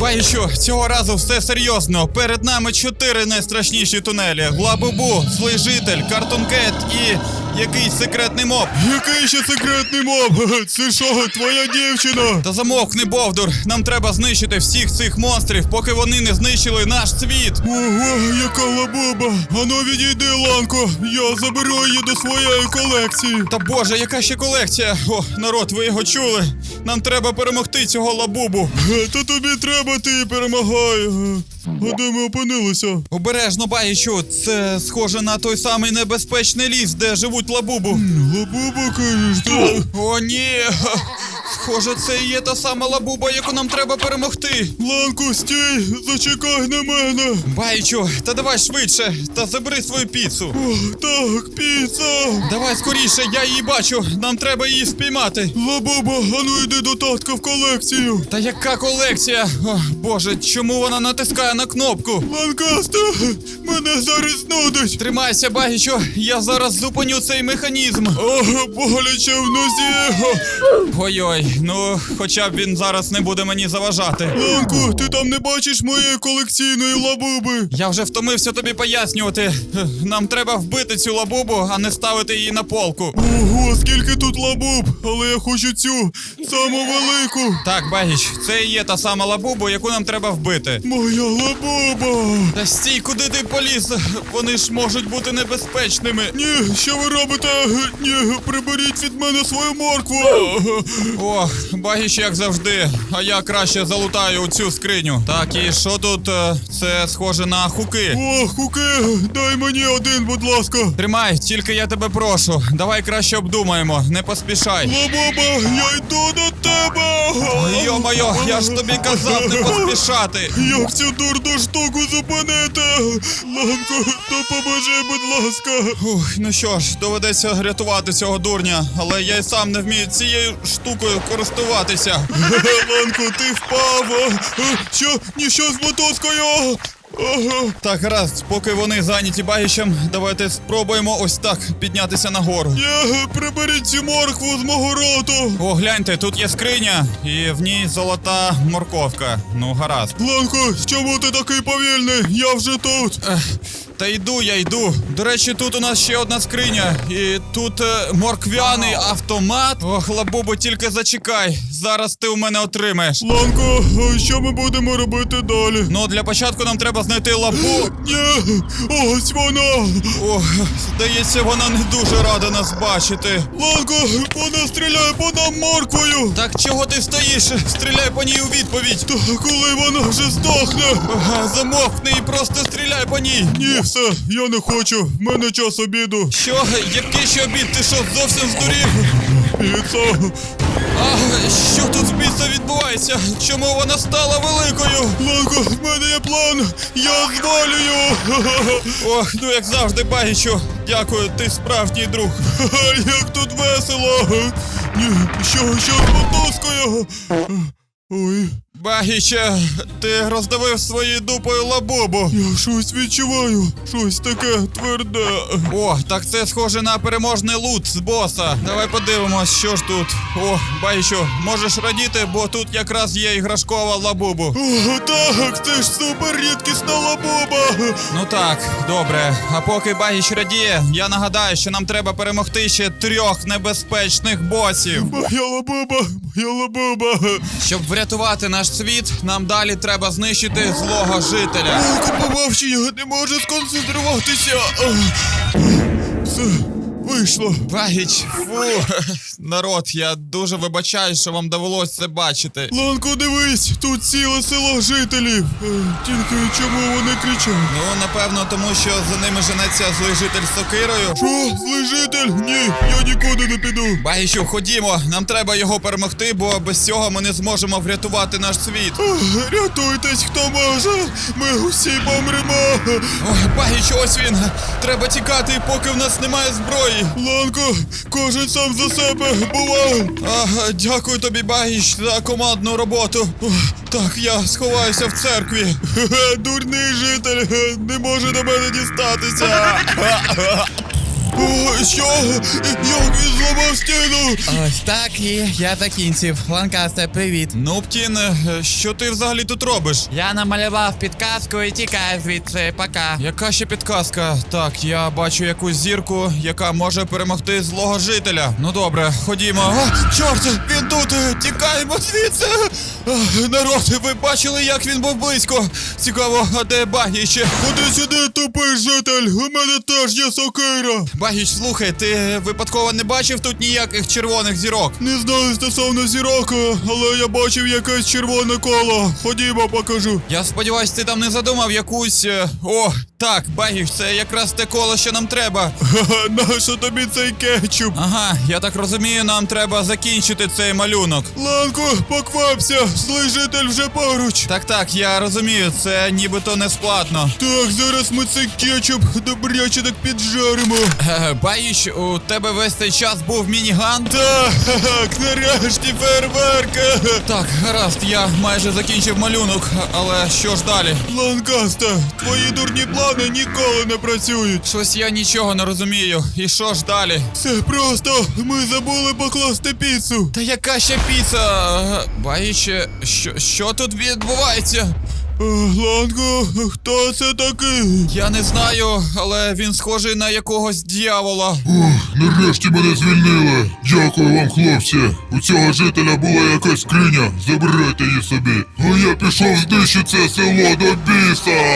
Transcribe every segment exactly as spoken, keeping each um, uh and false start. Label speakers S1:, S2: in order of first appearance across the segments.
S1: Бачу, цього разу все серйозно. Перед нами чотири найстрашніші тунелі. Лабубу, злий житель, Картун Кет і якийсь секретний моб.
S2: Який ще секретний моб? Це що, твоя дівчина?
S1: Та замовкни, Бовдур. Нам треба знищити всіх цих монстрів, поки вони не знищили наш світ.
S2: Ого, яка лабуба. Ану відійди, Ланко. Я заберу її до своєї колекції.
S1: Та боже, яка ще колекція? О, народ, ви його чули? Нам треба перемогти цього лабубу.
S2: Та тобі треба, ти перемагай. А де ми опинилися?
S1: Обережно, Багічу, це схоже на той самий небезпечний ліс, де живуть лабубу.
S2: Лабуба, кажеш, так?
S1: О, ні! Схоже, це і є та сама лабуба, яку нам треба перемогти.
S2: Ланко, стій, зачекай на мене.
S1: Багічу, та давай швидше, та забери свою піцу.
S2: О, так, піца.
S1: Давай скоріше, я її бачу, нам треба її спіймати.
S2: Лабуба, ану йди до татка в колекцію.
S1: Та яка колекція? О, боже, чому вона натискає на кнопку?
S2: Ланкасте, мене зараз нудить.
S1: Тримайся, Багічу, я зараз зупиню цей механізм.
S2: Ага, боляче в нозі.
S1: Ой-ой, ну, хоча б він зараз не буде мені заважати.
S2: Ланко, ти там не бачиш моєї колекційної лабуби?
S1: Я вже втомився тобі пояснювати. Нам треба вбити цю лабубу, а не ставити її на полку.
S2: Ого, скільки тут лабуб, але я хочу цю, саму велику.
S1: Так, Багіч, це і є та сама лабуба, яку нам треба вбити.
S2: Моя лабуба.
S1: Та стій, куди ти поліз? Вони ж можуть бути небезпечними.
S2: Ні, що ви робите? Ні, приберіть від мене свою моркву.
S1: Ох, Багіч, як завжди. А я краще залутаю у цю скриню. Так, і що тут? Е, Це схоже на хуки.
S2: О, хуки, дай мені один, будь ласка.
S1: Тримай, тільки я тебе прошу. Давай краще обдумаємо, не поспішай.
S2: Лабуба, я йду до тебе.
S1: Йо-моє, я ж тобі казав не поспішати.
S2: Як цю дурну штуку зупинити? Ланко, допоможи, будь ласка.
S1: Ух, ну що ж, доведеться рятувати цього дурня, але я й сам не вмію цією штукою користуватися.
S2: Ланко, ти впав. Що? Ніщо з мотузкою. Ага.
S1: Так, гаразд, поки вони зайняті Багічем, давайте спробуємо ось так піднятися нагору.
S2: Ні, приберіть цю моркву з мого роту.
S1: О, гляньте, тут є скриня, і в ній золота морковка. Ну, гаразд.
S2: Ланко, чому ти такий повільний? Я вже тут.
S1: Ех, та йду, я йду. До речі, тут у нас ще одна скриня. І тут е, морквяний автомат. Ох, лабубо, тільки зачекай. Зараз ти у мене отримаєш.
S2: Ланко, а що ми будемо робити далі?
S1: Ну, для початку нам треба знайти лабу.
S2: Ні, ось вона.
S1: Ох, здається, вона не дуже рада нас бачити.
S2: Ланко, вона стріляє по нам морквою.
S1: Так чого ти стоїш? Стріляй по ній у відповідь.
S2: Та коли вона вже здохне?
S1: Ага, замовкни і просто стріляй по ній.
S2: Ні, все, я не хочу. В мене час обіду.
S1: Що? Який ще обід? Ти що, зовсім здурів?
S2: Піца.
S1: А, що тут з біса відбувається? Чому вона стала великою?
S2: Ланко, в мене є план. Я звалюю.
S1: Ох, ну як завжди, Багічу. Дякую, ти справжній друг.
S2: Як тут весело. Ні, що, що з мотузкою? Ой,
S1: Багіче, ти роздавив своєю дупою лабубу.
S2: я щось відчуваю. Щось таке тверде.
S1: О, так це схоже на переможний лут з боса. Давай подивимось, що ж тут. О, Багічу, можеш радіти, бо тут якраз є іграшкова лабубу.
S2: О, так, це ж супер рідкісна лабуба.
S1: Ну так, добре. А поки Багіч радіє, я нагадаю, що нам треба перемогти ще трьох небезпечних босів.
S2: Моя лабуба, моя лабуба.
S1: Щоб врятувати наш світ, нам далі треба знищити злого жителя.
S2: Ланко, побавши, я не можу сконцентруватися. Все, вийшло.
S1: Багіч, фу. Народ, я дуже вибачаю, що вам довелося це бачити.
S2: Ланко, дивись, тут ціле село жителів. Е, Тільки чому вони кричать?
S1: Ну, напевно, тому що за ними женеться злий житель з сокирою.
S2: Що, злий житель? Ні, я нікуди не піду.
S1: Багічу, ходімо, нам треба його перемогти, бо без цього ми не зможемо врятувати наш світ.
S2: Ох, рятуйтесь, хто може. Ми усі помремо.
S1: Ой, Багічу, ось він. Треба тікати, поки в нас немає зброї.
S2: Ланко, кожен сам за себе. Бувай.
S1: Ага, дякую тобі, Багіч, за командну роботу. Ох, так, я сховаюся в церкві.
S2: Хе-хе, дурний житель, не може до мене дістатися. О, що? Як він зламав стіну?
S3: Ось так і я закінчив. Ланкасте, привіт.
S1: Ну, Птін, що ти взагалі тут робиш?
S3: Я намалював підказку і тікаю звідси. Пока.
S1: Яка ще підказка? Так, я бачу якусь зірку, яка може перемогти злого жителя. Ну добре, ходімо. А, чорт, він тут! Тікаємо звідси! А, народ, ви бачили, як він був близько? Цікаво, а де Багіч?
S2: Ходи сюди, тупий житель, у мене теж є сокира.
S1: Багіч, слухай, ти випадково не бачив тут ніяких червоних зірок?
S2: Не знаю стосовно зірок, але я бачив якесь червоне коло. Ходімо, покажу.
S1: Я сподіваюсь, ти там не задумав якусь... е, О, так, Багіч, це якраз те коло, що нам треба.
S2: Ха-ха, нащо тобі цей кетчуп?
S1: Ага, я так розумію, нам треба закінчити цей малюнок.
S2: Ланко, поквапся, злий житель вже поруч.
S1: Так, так, я розумію, це нібито не складно.
S2: Так, зараз ми цей кетчуп добряче так піджаримо.
S1: Е, Багіч, у тебе весь цей час був мініган?
S2: Так, нарешті фейерверка.
S1: Так, гаразд, я майже закінчив малюнок, але що ж далі?
S2: Ланкаста, твої дурні плани ніколи не працюють.
S1: Щось я нічого не розумію. І що ж далі?
S2: Все просто, ми забули покласти піцу.
S1: Та яка ще піца? Е, Багіч, що, що тут відбувається?
S2: Е, Ланко, хто це такий?
S1: Я не знаю, але він схожий на якогось дьявола.
S4: Ух, нарешті мене звільнили. Дякую вам, хлопці. У цього жителя була якась скриня. Забирайте її собі. А я пішов знищити це село до біса.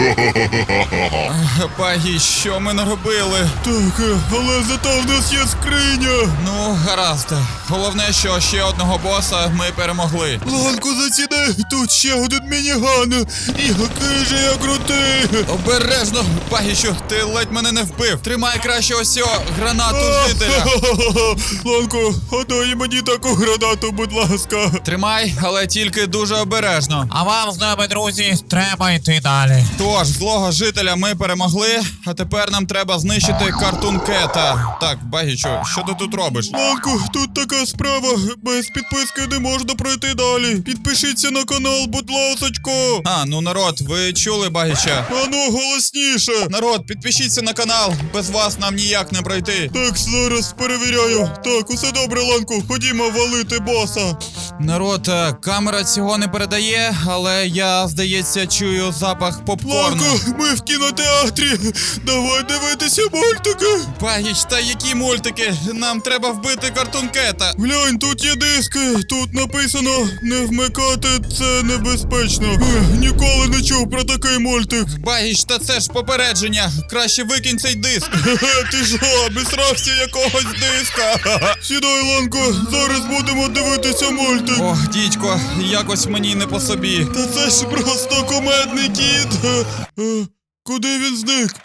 S1: Багіч, що ми наробили?
S2: Так, е, але зато в нас є скриня.
S1: Ну, гаразд. Головне, що ще одного боса ми перемогли.
S2: Ланко, заціни, тут ще один мініган. Який же я крутий.
S1: Обережно, Багічу, ти ледь мене не вбив. Тримай краще ось цього гранату жителя.
S2: Ланко, отдай мені таку гранату, будь ласка.
S1: Тримай, але тільки дуже обережно.
S3: А вам з нами, друзі, треба йти далі.
S1: Тож, злого жителя ми перемогли, а тепер нам треба знищити Картун Кета. Так, Багічу, що ти тут робиш?
S2: Ланко, тут така справа. Без підписки не можна пройти далі. Підпишіться на канал, будь ласочко.
S1: А, ну народ, ви чули Багіча?
S2: Ану, голосніше.
S1: Народ, підпишіться на канал, без вас нам ніяк не пройти.
S2: Так, зараз перевіряю. Так, усе добре, Ланко, ходімо валити боса.
S1: Народ, е, камера цього не передає, але я, здається, чую запах попкорну.
S2: Ланко, ми в кінотеатрі. Давай дивитися мультики.
S1: Багіч, та які мультики? Нам треба вбити Картун Кета.
S2: Глянь, тут є диски. Тут написано не вмикати, це небезпечно. Ех, ніколи не чув про такий мультик.
S1: Багіч, та це ж попередження. Краще викинь цей диск.
S2: Хе-хе, ти що, обісрався якогось диска? Сідай, Ланко, зараз будемо дивитися мультик.
S1: Ох, дідько, якось мені не по собі.
S2: Та це ж просто кумедний кіт. Е, е, Куди він зник?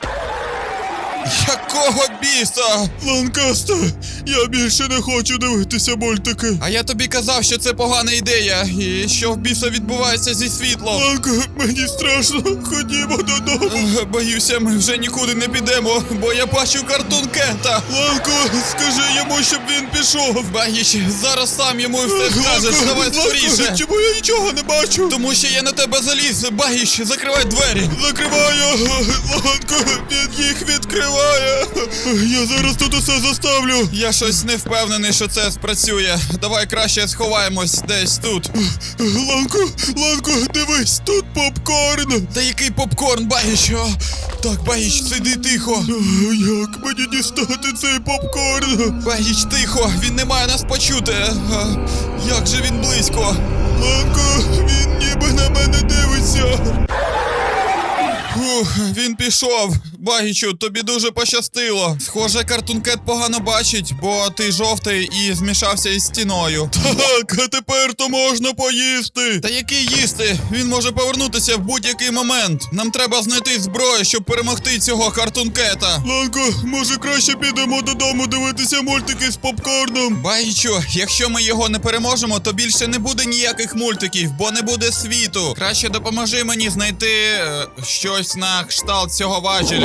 S1: Якого біса?
S2: Ланкасте, я більше не хочу дивитися мультики.
S1: А я тобі казав, що це погана ідея, і що в біса відбувається зі світлом.
S2: Ланко, мені страшно, ходімо додому.
S1: Ех, Боюся, ми вже нікуди не підемо, бо я бачу Картун Кета.
S2: Ланко, скажи йому, щоб він пішов.
S1: Багіч, зараз сам йому все скажеш,
S2: Ланко,
S1: давай
S2: Ланко,
S1: скоріше.
S2: чому я нічого не бачу?
S1: Тому що я на тебе заліз. Багіч, закривай двері.
S2: Закриваю, Ланко, він їх відкриває. Я зараз тут усе заставлю.
S1: Я щось не впевнений, що це спрацює. Давай краще сховаємось десь тут.
S2: Ланко, Ланко, дивись, тут попкорн.
S1: Та який попкорн, Багіч? О, так, Багіч, сиди тихо.
S2: Як мені дістати цей попкорн?
S1: Багіч, тихо, він не має нас почути. А, як же він близько?
S2: Ланко, він ніби на мене дивиться.
S1: Ух, він пішов. Багічу, тобі дуже пощастило. Схоже, Картун Кет погано бачить, бо ти жовтий і змішався із стіною.
S2: Так, а тепер то можна поїсти.
S1: Та який їсти? Він може повернутися в будь-який момент. Нам треба знайти зброю, щоб перемогти цього Картун Кета.
S2: Ланко, може краще підемо додому дивитися мультики з попкорном?
S1: Багічу, якщо ми його не переможемо, то більше не буде ніяких мультиків, бо не буде світу. Краще допоможи мені знайти е, щось на кшталт цього важеля.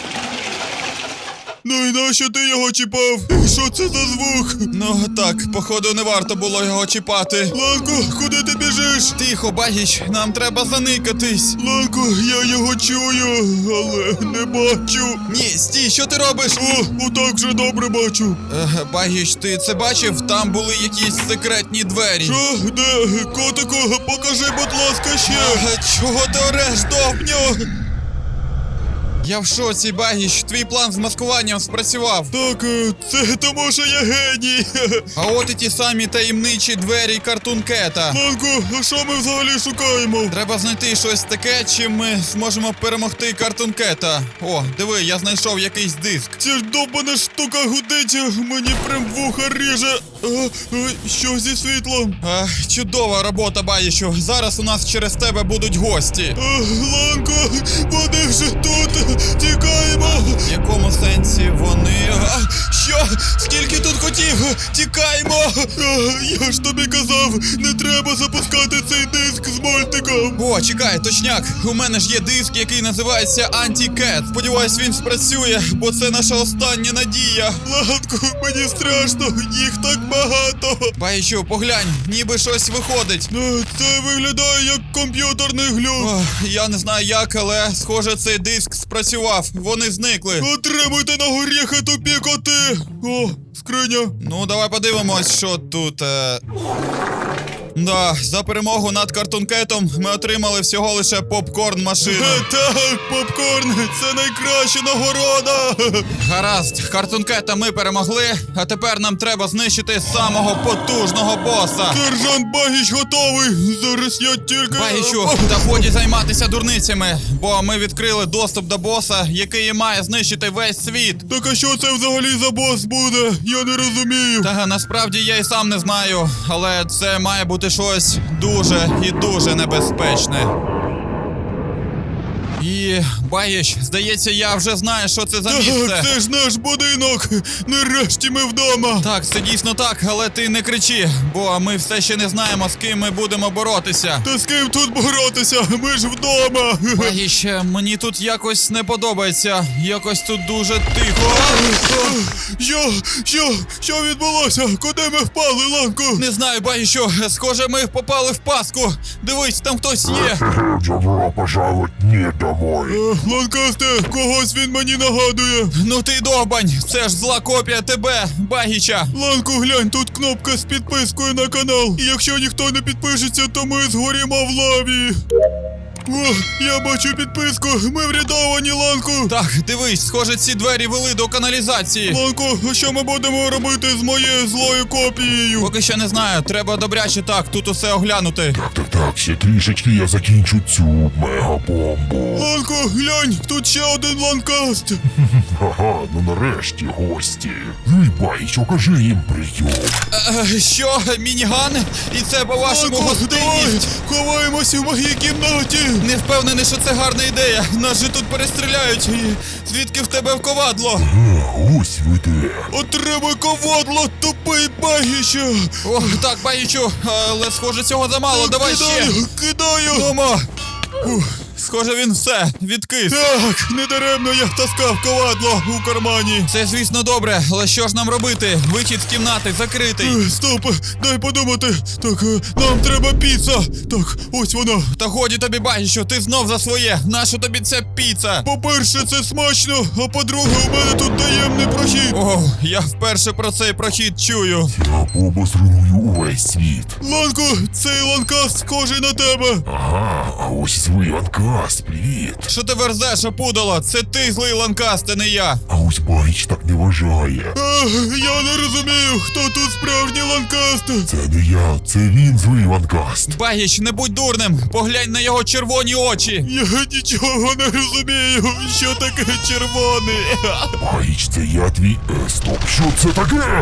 S2: Ну і нащо ти його чіпав? Що це за звук?
S1: Ну так, походу не варто було його чіпати.
S2: Ланко, куди ти біжиш? біжиш?
S1: Тихо, Багіч, нам треба заникатись.
S2: Ланко, я його чую, але не бачу.
S1: Ні, стій, що ти робиш?
S2: О, отак вже добре бачу.
S1: Е, Багіч, ти це бачив? Там були якісь секретні двері.
S2: Що? Де? Котику, покажи, будь ласка, ще.
S1: Е, Чого ти ореш, довбню? Я в шоці, Багіч, твій план з маскуванням спрацював.
S2: Так, е, це тому, що я геній.
S1: А от і ті самі таємничі двері Cartoon Cat'а.
S2: Ланко, а що ми взагалі шукаємо?
S1: Треба знайти щось таке, чим ми зможемо перемогти Cartoon Cat'а. О, диви, я знайшов якийсь диск.
S2: Ця ж довбана штука гудить, мені прям вуха ріже. А, а, що зі світлом?
S1: Е, чудова робота, Багічу. Зараз у нас через тебе будуть гості.
S2: А, Ланко, вони вже тут. Тікаємо.
S1: В якому сенсі вони... А, що? Скільки тут котів? Тікаємо!
S2: А, я ж тобі казав, не треба запускати цей диск з мультиком.
S1: О, чекай, точняк. У мене ж є диск, який називається Anti-Cat. Сподіваюсь, він спрацює, бо це наша остання надія.
S2: Ланко, мені страшно, їх так багато.
S1: Багічу, поглянь, ніби щось виходить.
S2: А, це виглядає як комп'ютерний глюк.
S1: Ох, я не знаю як, але схоже цей диск спрацював. Вони зникли.
S2: Отримуйте на горіхи, тупі коти. О, скриня.
S1: Ну, давай подивимось, що тут. Е... Да, за перемогу над Cartoon Cat'ом ми отримали всього лише попкорн-машину.
S2: Е, Так, попкорн, це найкраща нагорода.
S1: Гаразд, Cartoon Cat'а ми перемогли, а тепер нам треба знищити самого потужного боса.
S2: Сержант Багіч готовий. Зараз я тільки...
S1: Багічу, та годі займатися дурницями, бо ми відкрили доступ до боса, який і має знищити весь світ.
S2: Так а що це взагалі за бос буде? Я не розумію.
S1: Та насправді я і сам не знаю, але це має бути щось дуже і дуже небезпечне. І, Багіч, здається, я вже знаю, що це за місце.
S2: Так, це ж наш будинок. Нарешті ми вдома.
S1: Так, це дійсно так, але ти не кричи, бо ми все ще не знаємо, з ким ми будемо боротися.
S2: Та з ким тут боротися? Ми ж вдома.
S1: Багіч, мені тут якось не подобається. Якось тут дуже тихо.
S2: Що? Що? Що відбулося? Куди ми впали, Ланко?
S1: Не знаю, Багічу, схоже, ми попали в пастку. Дивись, там хтось є.
S4: Добро пожаловать не домой.
S2: Е, Ланкасте, когось він мені нагадує.
S1: Ну ти довбань, це ж зла копія тебе, Багіча.
S2: Ланко, глянь, тут кнопка з підпискою на канал. І якщо ніхто не підпишеться, то ми згорімо в лаві. О, я бачу підписку. Ми врятовані, Ланко.
S1: Так, дивись, схоже, ці двері вели до каналізації.
S2: Ланко, а що ми будемо робити з моєю злою копією?
S1: Поки що не знаю, треба добряче так, тут усе оглянути.
S4: Так, так, так, ще трішечки я закінчу цю мегабомбу.
S2: Ланко, глянь, тут ще один ланкаст.
S4: Ага, ну нарешті гості. Ну і Багіч, окажи їм прийом.
S1: Е, що, мініган? І це по-вашому
S2: Ланко, давай,
S1: гостинність?
S2: ховаємося в моїй кімнаті.
S1: Не впевнений, що це гарна ідея. Нас же тут перестріляють. І звідки в тебе ковадло?
S4: А, ось ви де.
S2: Отримай ковадло, тупий Багіча.
S1: О, так, Багічу, але схоже, цього замало. Давай ще.
S2: Кидаю, кидаю.
S1: Дома. Ух, схоже, він все, відкис.
S2: Так, недаремно я таскав ковадло у кармані.
S1: Це, звісно, добре, але що ж нам робити? Вихід з кімнати закритий.
S2: Е, Стоп, дай подумати. Так, е, нам треба піца. Так, ось вона.
S1: Та годі тобі, Багічу, ти знов за своє. Нащо тобі ця піца?
S2: По-перше, це смачно, а по-друге, у мене тут таємний прохід.
S1: О, я вперше про цей прохід чую.
S4: Я обозруйную увесь світ.
S2: Ланко, цей ланкаст схожий на тебе.
S4: Ага, а ось злий Ланкаст, привіт.
S1: Що ти верзеш, опудало? Це ти злий Ланкаст, а не я.
S4: А ось Багіч так не вважає.
S2: А, я не розумію, хто тут справжній ланкаст.
S4: Це не я, це він злий Ланкаст.
S1: Багіч, не будь дурним. Поглянь на його червоні очі.
S2: Я нічого не розумію, що таке червоний.
S4: Багіч, це я твій... Е, стоп, що це таке?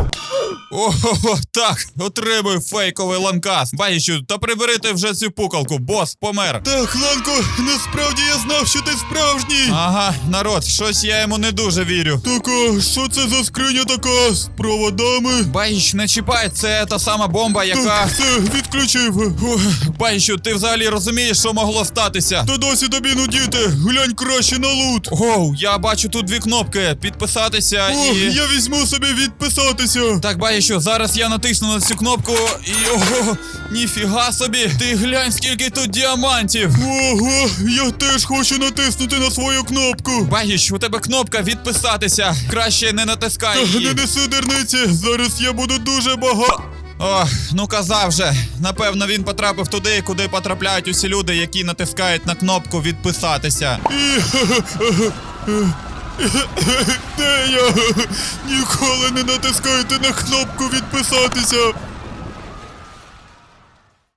S1: Ого, так, отримуй фейковий Ланкаст. Багічу, та прибери ти вже цю пукалку, бос помер.
S2: Так, Ланко, насправді я знав, що ти справжній.
S1: Ага, народ, щось я йому не дуже вірю.
S2: Так, а що це за скриня така з проводами?
S1: Багіч, не чіпай, це та сама бомба, яка...
S2: Так, все, відключив.
S1: Ух, Багічу, ти взагалі розумієш, що могло статися?
S2: Та досі тобі нудіти, глянь краще на лут.
S1: Оу, я бачу тут дві кнопки. Підписатися
S2: О,
S1: і...
S2: я візьму собі відписатися.
S1: Так, Багічу, Багіщу, зараз я натисну на цю кнопку і ого, ніфіга собі, ти глянь, скільки тут діамантів.
S2: Ого, я теж хочу натиснути на свою кнопку.
S1: Багіщ, у тебе кнопка відписатися. Краще не натискай
S2: Та
S1: її.
S2: не неси дерниці, зараз я буду дуже багато.
S1: Ох, ну казав же. Напевно, він потрапив туди, куди потрапляють усі люди, які натискають на кнопку відписатися.
S2: І... Де я? Ніколи не натискайте на кнопку відписатися.